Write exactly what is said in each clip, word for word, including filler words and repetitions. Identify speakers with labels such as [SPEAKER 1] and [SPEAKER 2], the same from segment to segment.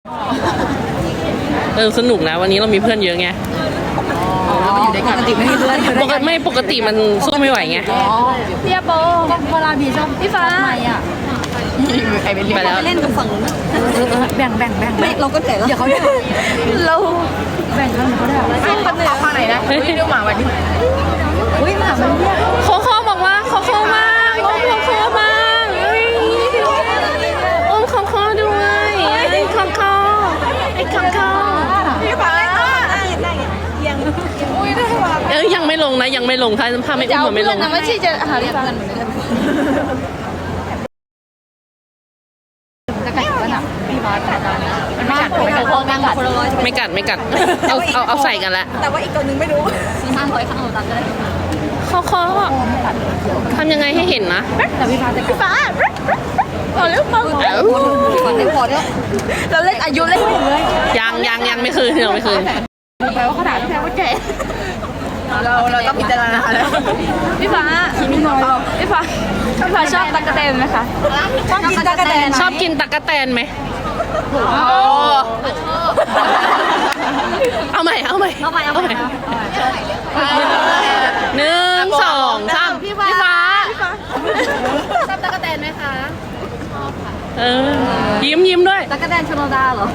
[SPEAKER 1] เออสนุกนะวันนี้เรามีเพื่อนเยอะไง
[SPEAKER 2] อยู่ด้วยกันปกติไม่มีเพื่อน
[SPEAKER 1] ปกติไม่ปกติมันสู้ไม่ไหวไง
[SPEAKER 2] พี่โปเวลาบีชอบพี่ฟ้าทำไมอ่ะใครไปเล่นไปแล้วเล่นกับฝั่งแบ่งแบ่งแบ่งไม่เราก็แต่เดี๋ยวเขาได้เราแบ่งกันเขาได้ซึ่งคนเหนือฝั่งไหนนะดูหมาวันนี้อุ้ยหมามันเนี่ย
[SPEAKER 1] โคโค่บอกว่าโคโค่มากโอ้โคโค่มากโอ้โคโค่ด้วยไอ้โคโค่ไอ้โคโค่
[SPEAKER 2] พี่ฟ้ายังอุ้ยได้ว่า
[SPEAKER 1] เอ้ยยังไม่ลงนะยังไม่ลงถ้าถ้าไม่อุ้มไม่ลง
[SPEAKER 2] นะไม่ใช่จะหาเรื่องกันจะกัดกันอ่ะพี่ฟ้ากัดกันมันไม่กัดไม่กัด
[SPEAKER 1] ไม่กัดไม่กัดเอาเอาเอาใส่กันละ
[SPEAKER 2] แต่ว่าอีกตัวนึงไม่รู้สี่ห้าร้อยข้างหลังตัดเลย
[SPEAKER 1] โคโค่ทำยังไงให้เห็นนะ
[SPEAKER 2] แต่พี่ฟ้าจะพี่ฟ้าพอแล้วพอแล้วพอแล้วพอแล้วเราเล่นอายุเล่นเลย
[SPEAKER 1] ยังยังยังไม่คืนยังไม่คืน
[SPEAKER 2] แปลว่าเขาด่าพี่แปลว่าแก่เราเราต้องพิจารณาแล้วพี่ฟ้าพี่ฟ้าพี่ฟ้าชอบตั๊กแตนไหมคะชอบกินตั๊กแตน
[SPEAKER 1] ชอบกินตั๊กแตนไหมเอาใหม่เอาใหม่
[SPEAKER 2] เอาใหม่เอาใหม่
[SPEAKER 1] หนึ่งสองสามพี่ฟ้า
[SPEAKER 2] ชอบตั๊กแตนไหมคะชอบค่ะ
[SPEAKER 1] เออยิ้มยิ้มด้วย
[SPEAKER 2] ตั๊กแตนชโนดาเหรอ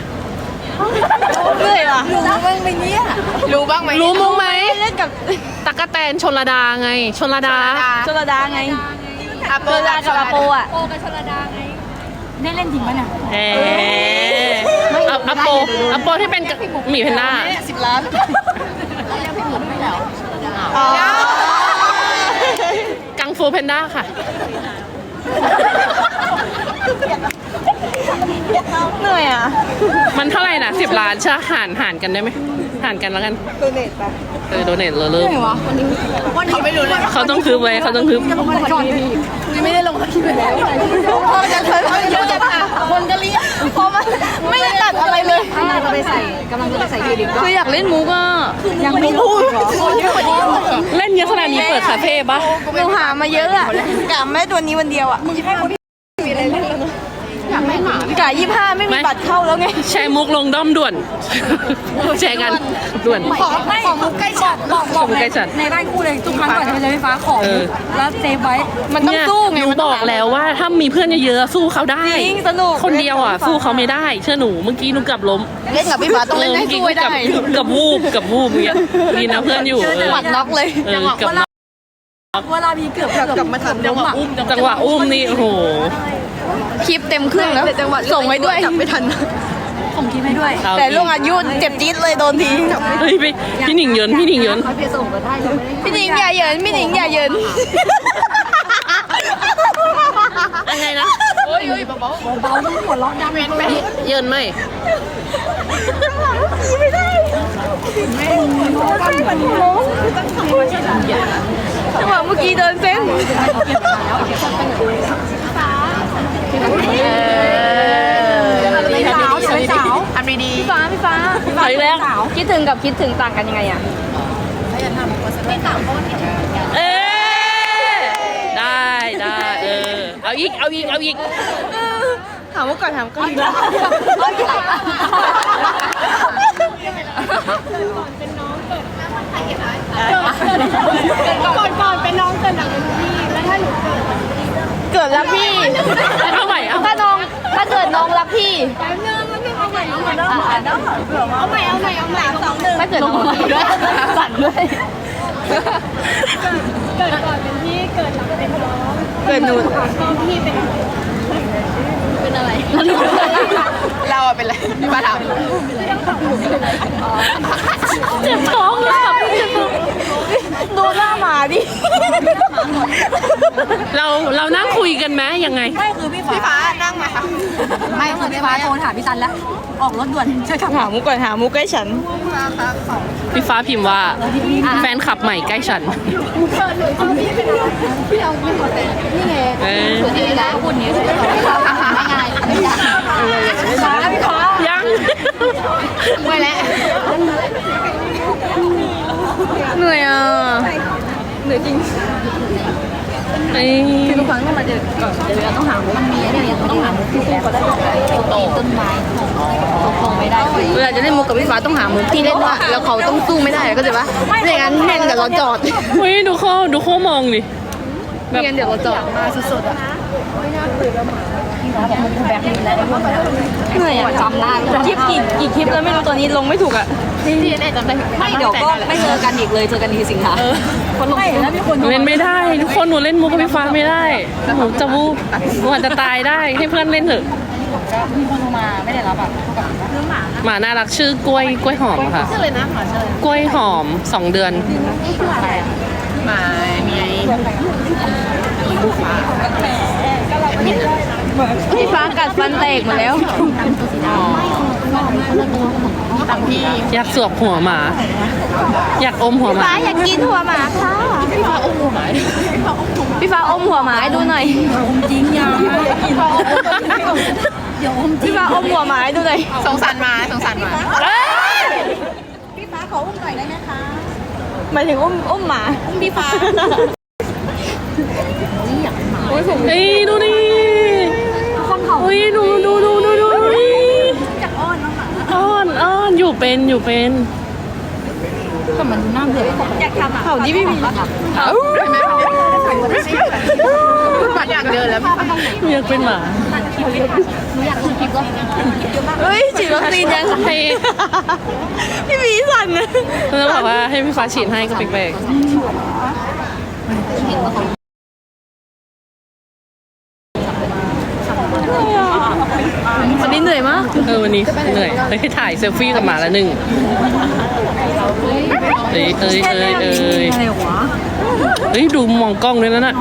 [SPEAKER 2] เหนื่อยอ่ะรู้บ้างไหมเนี่ยรู้บ้างไหม
[SPEAKER 1] รู้มั้งไหม
[SPEAKER 2] เล่นกับ
[SPEAKER 1] ตั๊กแตนชลดาไงชลดา
[SPEAKER 2] ชลดาไงอาโปกับอาโปอ่ะโปกับชลดาไงได้เล่นจริงป่ะเนี่ย
[SPEAKER 1] เอออาโปอาโปที่เป็นหมีแพนด้า
[SPEAKER 2] สิบล้านยังพี่หมุนไม่แล้ว
[SPEAKER 1] กังฟูแพนด้าค่ะ
[SPEAKER 2] เหนื่อยอ่ะ
[SPEAKER 1] มันเท่าไหร่นะสิบล้านใช่หารหารกันได้ไหมหารกันแล้วกัน
[SPEAKER 2] โดเนทไป
[SPEAKER 1] เออโดเนทเลยเริ่ม
[SPEAKER 2] วันนี้วันนี้ไม่รู้เลย
[SPEAKER 1] เขาต้องคืบไว้เขาต้องคืบ
[SPEAKER 2] ก่อนพี่ไม่ได้ลงคลิปไปแล้วพอจะเคยเยอะจังคนก็เรียกพอมาไม่ได้ตัดอะไรเลยกำลังจะไปใส่กำลังจะไปใส่ยูดิคืออยากเล่นมุกอ่ะยังไม่พูด
[SPEAKER 1] เล่นเยอะขนาดนี้เปิดคาเฟ่ปะ
[SPEAKER 2] หนูหามาเยอะอ่ะกะแม่ตัวนี้วันเดียวอ่ะอยากไม่หมากะยี่ห้าไม่มีบัตรเข้าแล้วไง
[SPEAKER 1] แชร์มุกลงด้อมด่วนแชร์กันด่วน
[SPEAKER 2] ขอขอมุกใกล้ฉันบอกบอกในบ้านคู่เลยทุกครั้งก่อนจะไปเลยไฟฟ้าของแล้วเซฟไว้มันต้องสู้ไง
[SPEAKER 1] หนูบอกแล้วว่าถ้ามีเพื่อนเยอะๆสู้เขาได้
[SPEAKER 2] จริงสนุก
[SPEAKER 1] คนเดียวอ่ะสู้เขาไม่ได้เชื่อหนูเมื่อกี้หนูกับล้ม
[SPEAKER 2] เล่นกับพี่ฟ้าต้องเล่นให้สู้ได้
[SPEAKER 1] กับวูบกับวูบเนี่ยดีนะเพื่อนอยู่
[SPEAKER 2] หวัดน็อกเลย
[SPEAKER 1] จังหวะ
[SPEAKER 2] เวลามีเกือบเกือบมาทัน
[SPEAKER 1] จังหวะอุ้มจังหวะอุ้มนี่โอ้โห
[SPEAKER 2] คลิปเต็มเครื่องแล้วส่งไว้ด้วยจับไม่ทันส่งคลิปให้ด้วยแต่ลุงอายุเจ็บจี๊ดเลยโดนที
[SPEAKER 1] เฮ้ยพี่พี่หนิงเยินพี่หนิงเยิน
[SPEAKER 2] พี่หนิงอย่าเยินพี่หนิงอย่าเยิน
[SPEAKER 1] ยังไงนะ
[SPEAKER 2] โอ้ยเบาเบาเบาต้องหัวเราะดังไหม
[SPEAKER 1] เยินไหม
[SPEAKER 2] ไม่ได้ไม่ใช่มันโม้จังหวะเมื่อกี้เดินเส้นสาวสาวทำดีๆพี่ฟ้าพี่ฟ้าพี่ฟ้า
[SPEAKER 1] แล้ว
[SPEAKER 2] คิดถึงกับคิดถึงต่างกันยังไงอ่ะไม่ต่างเพราะว่า
[SPEAKER 1] เออได้ได้เออเอาอีกเอาอีกเอาอีก
[SPEAKER 2] ถามว่าก่อนถามก่อนก่อนก่อนเป็นน้องเกิดหลังเป็นพี่แล้วถ้าหนูเกิดรักพี่
[SPEAKER 1] เอาใหม่เอา
[SPEAKER 2] ถ้าน้องถ้าเกิดน้องรักพี่เอาใหม่เอาใหม่เอาใหม่เอาใหม่เอาใหม่เอาใหม่สองหนึ่งถ้าเกิดน้องรักด้วยสั่นด้วยเกิดก่อนเป็นพี่เกิดหลังเป็นน้องเกิดหนูพี่เป็นเป็นอะไรเราอะเป็นอะไรพี่มาถาม
[SPEAKER 1] เจ็บท้องเลยค่ะเจ็บท้อง
[SPEAKER 2] ดูหน้าหมาดิ
[SPEAKER 1] เราเรานั่งคุยกันไหมยังไง
[SPEAKER 2] ไม่คือพี่ฟ้าพี่ฟ้านั่งไหมคะไม่คือพี่ฟ้าโทรถามพี่ซันแล้วออกรถด่วนช่วยขับหามุกก่อนหามุกใกล้ฉัน
[SPEAKER 1] พี่ฟ้าพิมพ์ว่าแฟนขับใหม่ใกล้ฉัน
[SPEAKER 2] พี่เอาพี่ขอแต่นี่ไงคือที่แล้วพูดนี้ง่ายๆฟ้าพี่ฟ้า
[SPEAKER 1] ยัง
[SPEAKER 2] ไม่แล้วเหนื่อยอ่ะเหนื่อยจริงคือทุกครั้งต้องมาเจอก่อนเดี๋ยวต้องหามุกมันมีอะไรต้องหามุกที่คู่ก็ได้ต้นไม้เวลาจะเล่นมุกกับพี่ฟ้าต้องหามุกที่เล่นว่าแล้วเขาต้องสู้ไม่ได้ก็จะว่าไม่งั้นแม่งเดี๋ยวเราจอด
[SPEAKER 1] เฮ้ยดูเขาดูเขามองดิ
[SPEAKER 2] ไม่งั้นเดี๋ยวเราจอดมาสดๆอ่ะเหนื่อยอ่ะจำได้คลิปกี่กี่คลิปแล้วไม่รู้ตอนนี้ลงไม่ถูกอ่ะที่แน่จำได้ไม่เดี๋ยวก็ไม่เจอกันอีกเลยเจอกันทีสิงหาคนลงแล้วมีคน
[SPEAKER 1] เล่นไม่ได้ทุกคนหนูเล่นมุกกับพี่ฟ้าไม่ได้หนูจะวูบหนูอาจจะตายได้ให้เพื่อนเล่นเถอะ
[SPEAKER 2] มีคนมาไม่ได้รับอ่ะ
[SPEAKER 1] หมาน่ารักชื่อกล้วยกล้วยหอมค่ะ
[SPEAKER 2] ชื่อเลยนะหมาชื่อก
[SPEAKER 1] ล้วยหอมสองเดือน
[SPEAKER 2] หมาเมียพี่ฟ้ากัดฟันแตกหมดแล้วตังพี่
[SPEAKER 1] อยากสวบหัวหมา อยากอมหัวหมา
[SPEAKER 2] ฟ้าอยากกินหัวหมาค่ะพี่ฟ้าอมหัวหมาพี่ฟ้าอมหัวหมาให้ดูหน่อยอมจริงยังพี่ฟ้าอมหัวหมาให้ดูหน่อยสงสารหมาสงสารหมาพี่ฟ้าขออุ้มหน่อยได้ไหมคะหมายถึงอุ้มอุ้มหมาพี่ฟ้า
[SPEAKER 1] เฮ้ยดูดิ
[SPEAKER 2] คนเขา
[SPEAKER 1] เฮ้ยดูดูดูดูดูดิ
[SPEAKER 2] จากอ้อนน้องหมา
[SPEAKER 1] อ้อนอ้อนอยู่เป็นอยู่เป็น
[SPEAKER 2] แต่มันน่าเบื่ออยากทำอ่ะเขาที่พี่มีเขา อยากเดินแล้วพี่ฟ้า
[SPEAKER 1] อยากเป็นหมา
[SPEAKER 2] หนูอยากดูคลิปก็เฮ้ยฉีดวัคซีนยัง
[SPEAKER 1] ให้
[SPEAKER 2] พี่มีสั่นนะ
[SPEAKER 1] แล้วบอกว่าให้พี่ฟ้าฉีดให้ก็แปลก
[SPEAKER 2] วันนี้เหนื่อยมาก
[SPEAKER 1] ๆเออวันนี้เหนื่อยเฮ้ยถ่ายเซลฟี่กับหมาละหนึ่งเอ้ยเอ้ยเอ้ยเอ้ย
[SPEAKER 2] อะไรวะ
[SPEAKER 1] เฮ้ยดูมองกล้องด้วยนะน่ะ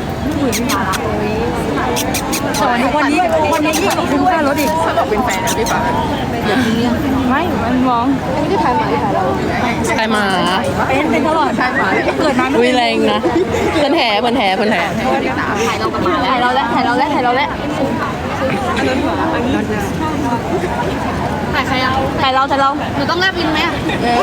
[SPEAKER 2] วันนี้วันนี้ยิ่งคุ้มค่ารถอีกถ้าบอกเป็นแฟนนะพี่ฟ้าอย่าเรื่องไม่มันมองไม่ได้ถ่ายหมาถ่ายเรา
[SPEAKER 1] ใครหมา
[SPEAKER 2] เป็นเป็นตลอดถ่ายหมาเกิดมา
[SPEAKER 1] วิแรงนะเพิ่นแห่เพิ่นแห่เพิ่นแห่
[SPEAKER 2] ถ่ายเรากันมาถ่ายเราแล้วถ่ายเราแล้วถ่ายเราแล้วถ่ายใครอ่ะถ่ายเราถ่ายเราหนูต้องแลบลิ้นไหมอ่ะ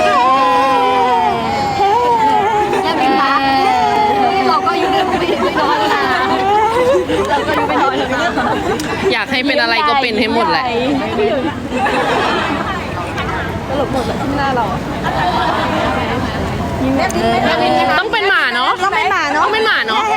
[SPEAKER 2] แลบลิ้นปะเราก็อยู่ในไม่นอนนะเราก็อยู่ไม่นอนเลย
[SPEAKER 1] อยากให้เป็นอะไรก็เป็นให้หมดแหละ
[SPEAKER 2] ตลกหมดเลยที่หน้าเรา
[SPEAKER 1] ต้องเป็นหมาเนาะ
[SPEAKER 2] ต้องเป็นหมาเนาะ
[SPEAKER 1] ต้องเป็นหมาเนาะ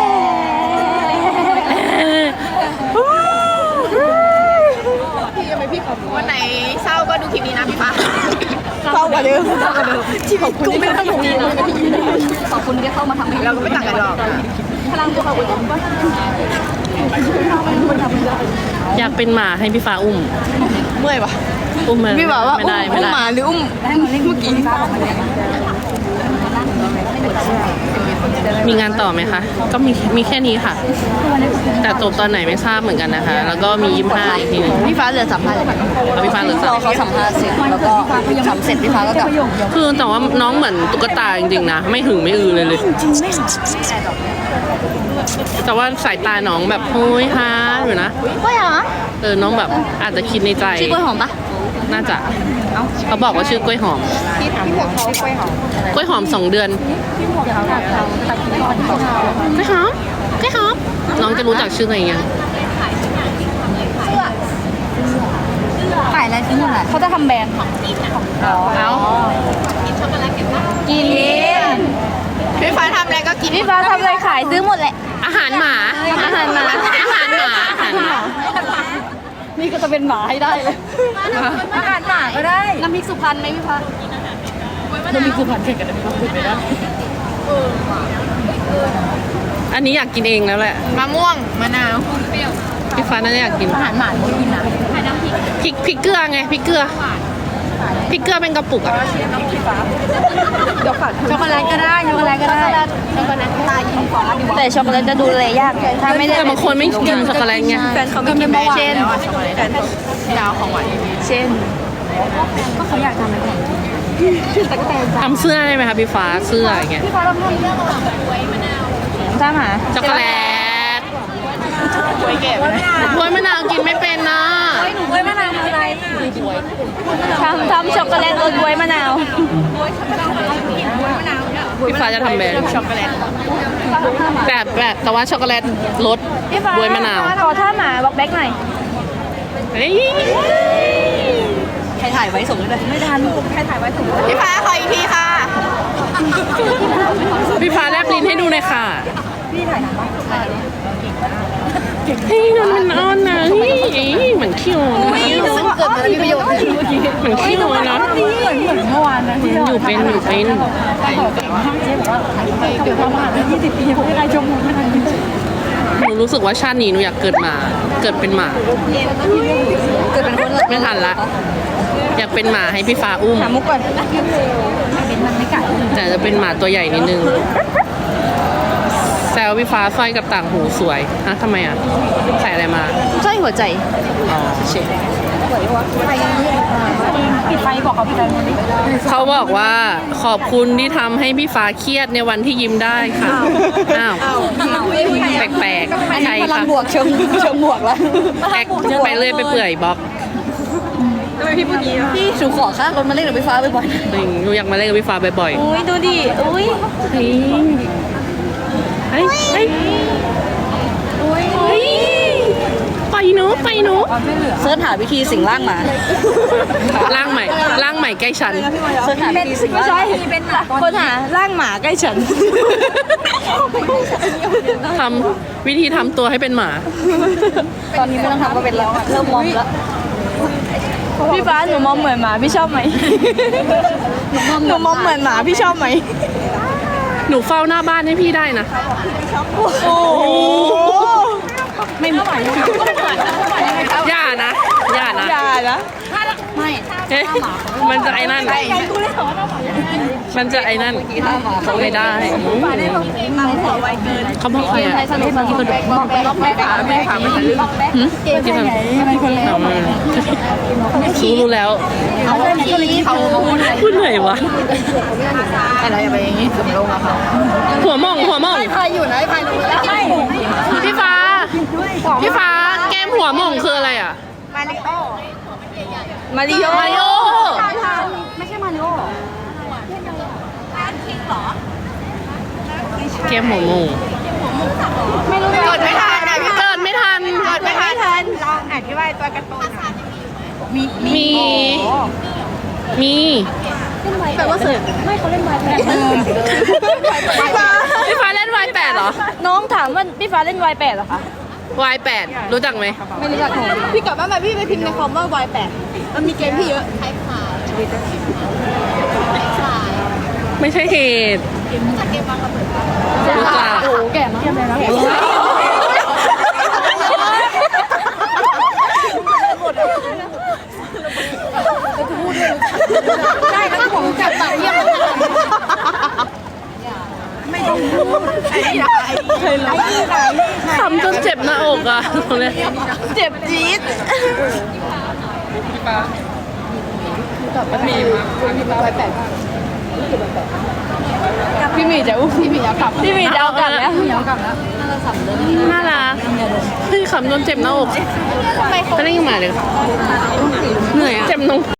[SPEAKER 3] วันไหนเศร้าก็ดูคลิปนี้นะพี่ฟ้า
[SPEAKER 2] เศร้ากว่าเดิมเศร้ากว่าเดิมที่ขอบคุณที่เข้ามาทำนะขอบคุณที่เข้ามาทำให้
[SPEAKER 3] เราก็ไม่ต่างกันหรอก
[SPEAKER 2] พลังตัวขอบคุณ
[SPEAKER 1] อยากเป็นหมาให้พี่ฟ้าอุ้ม
[SPEAKER 2] เมื่อยปะ
[SPEAKER 1] อุ้มมัน
[SPEAKER 2] พี่บอกว่า
[SPEAKER 1] ไม่
[SPEAKER 2] อุ้ม
[SPEAKER 1] ได้ไม่
[SPEAKER 2] อุ้ม
[SPEAKER 1] ได้
[SPEAKER 2] หมาหรืออุ้มเมื่อกี้
[SPEAKER 1] มีงานต่อไหมคะ ก็มีมีแค่นี้ค่ะ แต่จบตอนไหนไม่ทราบเหมือนกันนะคะ แล้วก็มียี่สิบห้าอีกทีหนึง
[SPEAKER 2] พี่ฟ้าเหลือสัมภาษณ์เลย
[SPEAKER 1] เอาพี่ฟ้าเหลือสัม
[SPEAKER 2] รอเขาสัมภาษณ์เสร็จแล้วก็ทำเสร็จพี่ฟ้าก็กลับ
[SPEAKER 1] คือแต่ว่าน้องเหมือนตุ๊กตาจริงๆนะ ไม่หึงไม่อือเลยเลย แต่ว่าสายตาน้องแบบโฮ้ยฮาอยู่นะ
[SPEAKER 2] กล้วยเหรอ
[SPEAKER 1] เออ น้องแบบอาจจะคิดในใจ
[SPEAKER 2] ชื่อกล้วยหอมปะ
[SPEAKER 1] น่าจะ เขาบอกว่าชื่อกล้วยหอม
[SPEAKER 3] พี่พี่พวกเขากล้วยหอม
[SPEAKER 1] กล้วยหอมสองเดือน กล้วยหอม กล้วยหอม น้องจะรู้จักชื่อตัวเองยัง
[SPEAKER 2] ขายอะไรที่นู่นแหละเขาจะทำแบรนด์อ๋อ
[SPEAKER 1] เอา
[SPEAKER 2] กิน
[SPEAKER 3] พี่ฟ้าทำอะไรก็กิน
[SPEAKER 2] พี่ฟ้าทำอะไรขายซื้อหมดแหละ
[SPEAKER 1] อาหารหมา
[SPEAKER 2] อาหารหมา
[SPEAKER 1] อาหารหมา อาหารหมา
[SPEAKER 2] นี่ก็จะเป็นหมาให้ได้เลยอาหารหมาก็ได้ น้ำพริกสุพรรณไหมพี่ฟ้าน้ำพริกสุพรรณเก่งกับน้ำพริกสุพรรณไม่ได้
[SPEAKER 1] อันนี้อยากกินเองแล้วแหละ
[SPEAKER 3] มะม่วงมะนาว
[SPEAKER 1] พี่ฟ้าน่าจะอยากกิน
[SPEAKER 2] อาหารหมาไม่กินนะ
[SPEAKER 1] พริกพริกเกลือไงพริกเกลือพริกเกลือเป็นกระปุกอะ
[SPEAKER 2] ช็อกโกแลตก็ได้ช็อกโกแลตก็ได้ช็อกโกแลตตายยิงฟ้าดีกว่าแต่ช็อกโกแลตจะดูแลยากถ้าไม่ได้
[SPEAKER 1] แต่บางคนไม่กินช็อกโกแลตไง
[SPEAKER 2] แฟนเขาไม่กินเช่น
[SPEAKER 3] ดาวของหวาน
[SPEAKER 2] เช่นก็เขาอยากทำอะไรก่อน
[SPEAKER 1] ทำเสื้อได้ไหมคะพี่ฟ้าเสื้ออย่างเงี้ย
[SPEAKER 2] พี่ฟ้าทำเรื่องถ้าหมา
[SPEAKER 1] ช็อกโกแลต
[SPEAKER 3] กล้วยเก็บ
[SPEAKER 1] กล้วยมะนาวกินไม่เป็นนะ
[SPEAKER 2] หนูกล้วยมะนาวอะไรทำทำช็อกโกแลตรสกล้วยมะนาว
[SPEAKER 1] พี่ฟ้าจะทำแบรนด์
[SPEAKER 3] ช็อกโกแลต
[SPEAKER 1] แต่แบบแต่ว่าช็อกโกแลตรส
[SPEAKER 2] พี่ฟ้า
[SPEAKER 1] บวยมะนาว
[SPEAKER 2] ขอท่าหมาบอกแบ็กหน่อย
[SPEAKER 1] เฮ้ย
[SPEAKER 2] ใครทถ่ายไว้ส่งเลยไม่ทันใครถ่ายไว้ส่ง
[SPEAKER 3] พี่ฟ้าขออีกทีค่ะ
[SPEAKER 1] พี่ฟ้าแลบลิ้นให้ดูหน่อยค่ะ
[SPEAKER 2] พี่ถ่ายหนังปะ
[SPEAKER 1] เฮ้ยนนมันอ้อนนะเฮ้ยเหมือนขี้โอนะ
[SPEAKER 2] ซึ่งเกิดมาแล้วมีประโยชน์เมื่อกี้
[SPEAKER 1] เหมือนขี้โอนะ
[SPEAKER 2] เหมือนเหมือนเมื่อวานนะที่
[SPEAKER 1] อยู่เป็นอยู่เป็น
[SPEAKER 2] แต่บอกเก่งมากเจ๊บอกว่าเกิดมาผ่านไปยี่สิบปีผมไม่ได้ชมพูไม่ทัน
[SPEAKER 1] หนูรู้สึกว่าชาตินี้หนูอยากเกิดมาเกิดเป็นหมา
[SPEAKER 2] เกิดเป็นคน
[SPEAKER 1] ไม่ทันละ อยากเป็นหมาให้พี่ฟ้าอุ้ม
[SPEAKER 2] หามุกก่อนเป็นมันไม่กัด
[SPEAKER 1] แต่จะเป็นหมาตัวใหญ่นิดนึงแซวพี่ฟ้าสร้อยกับต่างหูสวยฮะทำไมอ่ะใส่อะไรมา
[SPEAKER 2] ใช่หัวใจ
[SPEAKER 1] อ๋อเช
[SPEAKER 2] ปิดไฟบอกเขาปิดไฟมันดิ
[SPEAKER 1] เขาบอกว่าขอบคุณที่ทำให้พี่ฟ้าเครียดในวันที่ยิ้มได้ค่ะอ้าวแปลกๆใช่
[SPEAKER 2] พลัง
[SPEAKER 1] ค่ะ
[SPEAKER 2] บวกเชิงเชิงบวกแล้ว
[SPEAKER 1] แอคไปเรื่อยไปเปื่อยบล็อก
[SPEAKER 2] พี่ชูขอค่ารถมาเล่นกับไฟฟ้าบ่อย
[SPEAKER 1] จริงหนูอยากมาเล่นกับพี่ฟ้าบ่อย
[SPEAKER 2] ๆอุ้ยดูดิอุ้ย
[SPEAKER 1] ๆเฮ้ยเฮ้ยเฮ้ย
[SPEAKER 2] อุ้ย
[SPEAKER 1] เฮ้ยไปหนูไปหนู
[SPEAKER 2] เสิร์ชหาวิธีสิงร่างหมา
[SPEAKER 1] ร่างใหม่ร่างใหม่ใกล้ฉัน
[SPEAKER 2] เสิร์ชหาวิธีสิงร่างหมาเป็นคนหาร่างหมาใกล้ฉัน
[SPEAKER 1] ทำวิธีทำตัวให้เป็นหมา
[SPEAKER 2] ตอนนี้ไม่ต้องทำก็เป็นแล้วเริ่มมองแล้วพี่ฟ้าหนูมองเหมือนหมาพี่ชอบไหมหนูมองเหมือนหมาพี่ชอบไหม
[SPEAKER 1] หนูเฝ้าหน้าบ้านให้พี่ได้นะ
[SPEAKER 2] โอ้โหไม่ไหว
[SPEAKER 1] อย่านะอย่านะ
[SPEAKER 2] อย่านะไม่
[SPEAKER 1] เอ๊ะมันจะไอ้นั่น มันจะไอ้นั่นเขาไม่ได้เขาบอกใครอ่ะ
[SPEAKER 2] สนุกสนุกบอกไปรอบแม่ขาแม่ขาไม่ทันลืม
[SPEAKER 1] หืมที่มันรู้รู้แล้ว
[SPEAKER 2] เขาเล่นตัวนี้เขา
[SPEAKER 1] พูดเหนื่อยวะ
[SPEAKER 3] แต่เราอย่าไปอย่างนี้สมลงอะค่ะ
[SPEAKER 1] หัวหม่องหัวหม่อง
[SPEAKER 2] ใครอยู่ไหนใครรู้แล้วไม่
[SPEAKER 1] พี่ฟ้า พี่ฟ้าแก้มหัวหม่องคืออะไรอ่ะ
[SPEAKER 3] มาริโอ
[SPEAKER 2] มาริโอ
[SPEAKER 1] มาริโอ
[SPEAKER 2] ไม่ใช่มาริโอ
[SPEAKER 1] แก้มหัวหม่อง
[SPEAKER 2] ไม่รู้
[SPEAKER 3] กดไม่ทันนะพี่
[SPEAKER 1] เกิดไม่ทัน
[SPEAKER 3] กดไม่ทันลองอธิบายตัวการ์ตูน
[SPEAKER 2] มี
[SPEAKER 1] มี มี
[SPEAKER 2] แปลว่าเสิร์ฟไม่เขาเล่นไวแปด
[SPEAKER 1] พี่ฟ้าเล่น วาย แปดเหรอ
[SPEAKER 2] น้องถามว่าพี่ฟ้าเล่นไวแปดเหรอคะ
[SPEAKER 1] วาย แปดรู้จักไหม
[SPEAKER 2] ไม่รู้จักหนู
[SPEAKER 3] พี่กลับบ้านมาพี่ไปพิมพ์ในคอมว่าวายแปดมันมีเกมพี่เยอะ
[SPEAKER 1] ไม่ใช่เหตุรู้จัก
[SPEAKER 2] โอ้แก่มากได้แล้วผมจับปากเยี่ยมไม่ต้องพูดไอ้ไหนไอ้ไหน
[SPEAKER 1] ทำจนเจ็บหน้าอกอ่ะตรงเนี้ย
[SPEAKER 2] เจ็บจี๊ดพี่หมีจะอุ้มพี่หมีจะกลับพี่หมีจะเอากลับแล้วพี่หมีเอากลับแล้ว
[SPEAKER 1] น่ารักเฮ้ยขำจนเจ็บหน้าอกไปเล่นกับหมาเลยเหนื่อยอ่ะเจ็บนง